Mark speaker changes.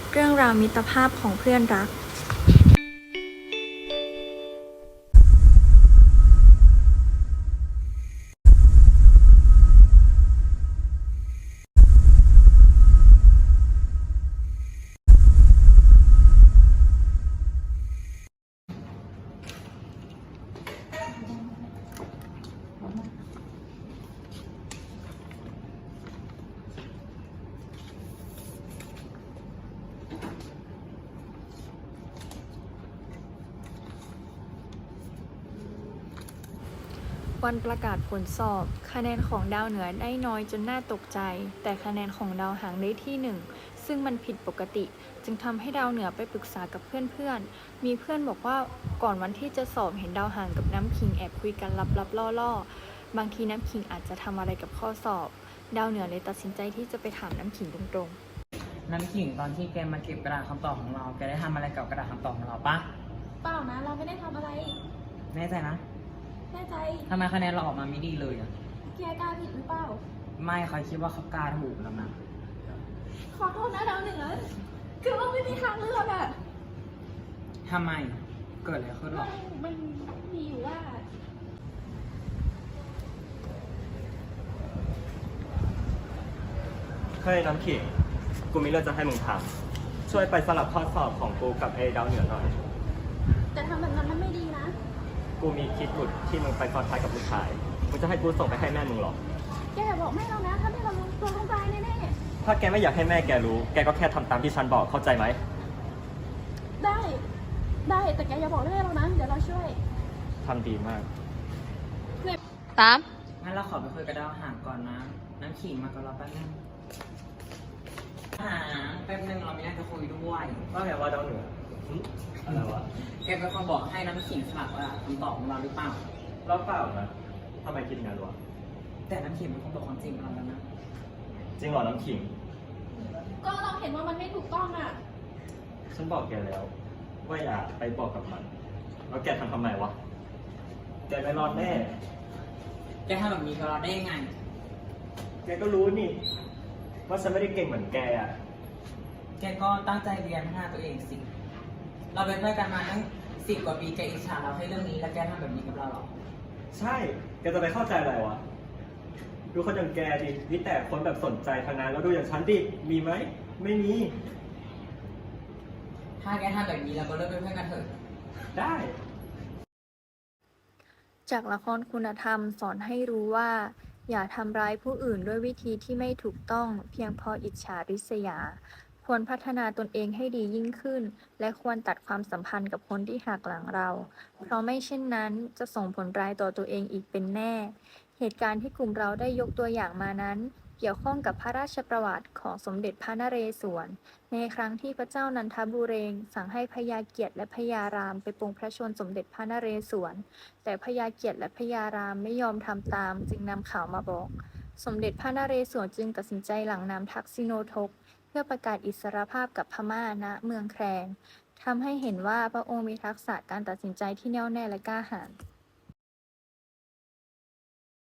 Speaker 1: เรื่องราวมิตรภาพของเพื่อนรักวันประกาศผลสอบ คะแนนของดาวเหนือได้น้อยจนน่าตกใจ แต่คะแนนของดาวหางได้ที่หนึ่งซึ่งมันผิดปกติ จึงทำให้ดาวเหนือไปปรึกษากับเพื่อนๆ มีเพื่อนบอกว่าก่อนวันที่จะสอบเห็นดาวหางกับน้ำขิงแอบคุยกันลับๆล่อๆ บางทีน้ำขิงอาจจะทำอะไรกับข้อสอบ ดาวเหนือเลยตัดสินใจที่จะไปถามน้ำขิงตรง
Speaker 2: น้ำขิงตอนที่แกมาเก็บกระดาษคำตอบของเรา แกได้ทำอะไรกับกระดาษคำตอบของเราปะ
Speaker 3: เปล่านะเราไม่ได้ทำอะไร
Speaker 2: แน่ใจนะ
Speaker 3: แน่ใจ
Speaker 2: ทำไมคะแนนเราออกมาไม่ดีเลยอะ
Speaker 3: แกกล้าผิดหรือเปล่า
Speaker 2: ไม่เขาคิดว่าเขากล้าถูกแล้วนะ
Speaker 3: ขอโทษนะดาวเหนือคือว่าไม่มีทางเลือกอะ
Speaker 2: ทำไม เกิดอะไรขึ้นหรอ
Speaker 3: มันมีอยู่ว่า
Speaker 4: เฮ้ยน้ำขิง กูมีเรื่องจะให้มึงทำช่วยไปสลับข้อสอบของกูกับไอ้ดาวเหนือหน่อย
Speaker 3: แต่ทำแบบนั้นมันไม่ดีนะ
Speaker 4: กูมีคิดหลุดที่มึงไปซ้อนท้ายกับผู้ชาย มึงจะให้กูส่งไปให้แม่มึงหรอ
Speaker 3: แกอย่าบอกแม่เรานะ ถ้าแม่เรารู้ตัวต้องตายแน่
Speaker 4: ถ้าแกไม่อยากให้แม่แกรู้ แกก็แค่ทำตามที่ฉันบอกเข้าใจไหม
Speaker 3: ๆได้ แต่แกอย่าบอกแม่เรานะ เดี๋ยวเราช่วย
Speaker 4: ทำดีมาก
Speaker 2: งั้นเราขอไปคุยกับดาวหางก่อนนะ น้ำขิงมากับเราแป๊บนึงหางแป๊บนึงเรามีเรื่องจะคุยด้วย
Speaker 4: ว่าไงว่าดาวเหนืออะไรวะ
Speaker 2: แกเป็นคนบอกให้น้ำขิงสลับว่าคำตอบของเราหรือเปล่า
Speaker 4: เราเปล่านะทำไมคิดงั้นวะ
Speaker 2: แต่น้ำขิงเป็นคนบอกความจริงกับเราแล้วนะ
Speaker 4: จริงเหรอน้ำขิง
Speaker 3: ก็เราเห็นว่ามันไม่ถูกต้องอะ
Speaker 4: ฉันบอกแกแล้ว ว่าอย่าไปบอกกับมัน แล้วแกทำไมวะ แกไม่รอดแน่
Speaker 2: แกทำแบบนี้กับเราได้ยังไง
Speaker 4: แกก็รู้นี่ ว่าฉันไม่ได้เก่งเหมือนแกอ่ะ
Speaker 2: แกก็ตั้งใจเรียนพัฒนาตัวเองสิ เราเป็นเพื่อนกันมาตั้ง10 กว่าปี แกอิจฉาเราแค่เรื่องนี้ แล้วแกทำแบบนี้กับเราหรอ
Speaker 4: ใช่ แกจะไปเข้าใจอะไรวะ ดูคนอย่างแกดิมีแต่คนแบบสนใจทางนั้นแล้วดูอย่างฉันดิ มีไหม ไม่มี
Speaker 2: ถ้าแกทำแบบนี้เราก็เลิกเป็นเพื่อนกันเถอะ
Speaker 4: ได้
Speaker 1: จากละครคุณธรรมสอนให้รู้ว่า อย่าทำร้ายผู้อื่นด้วยวิธีที่ไม่ถูกต้องเพียงเพราะอิจฉาริษยา ควรพัฒนาตนเองให้ดียิ่งขึ้น และควรตัดความสัมพันธ์กับคนที่หักหลังเรา เพราะไม่เช่นนั้นจะส่งผลร้ายต่อตัวเองอีกเป็นแน่ เหตุการณ์ที่กลุ่มเราได้ยกตัวอย่างมานั้น เกี่ยวข้องกับพระราชประวัติของสมเด็จพระนเรศวร ในครั้งที่พระเจ้านันทบุเรงค์สั่งให้พญาเกียรติและพญารามไปปลงพระชนม์สมเด็จพระนเรศวร แต่พญาเกียรติและพญารามไม่ยอมทำตามจึงนำข่าวมาบอก สมเด็จพระนเรศวรจึงตัดสินใจหลั่งน้ำทักษิโนทก เพื่อประกาศอิสรภาพกับพม่าณเมืองแคลงทำให้เห็นว่าพระองค์มีทักษะการตัดสินใจที่แน่วแน่และกล้าหาญ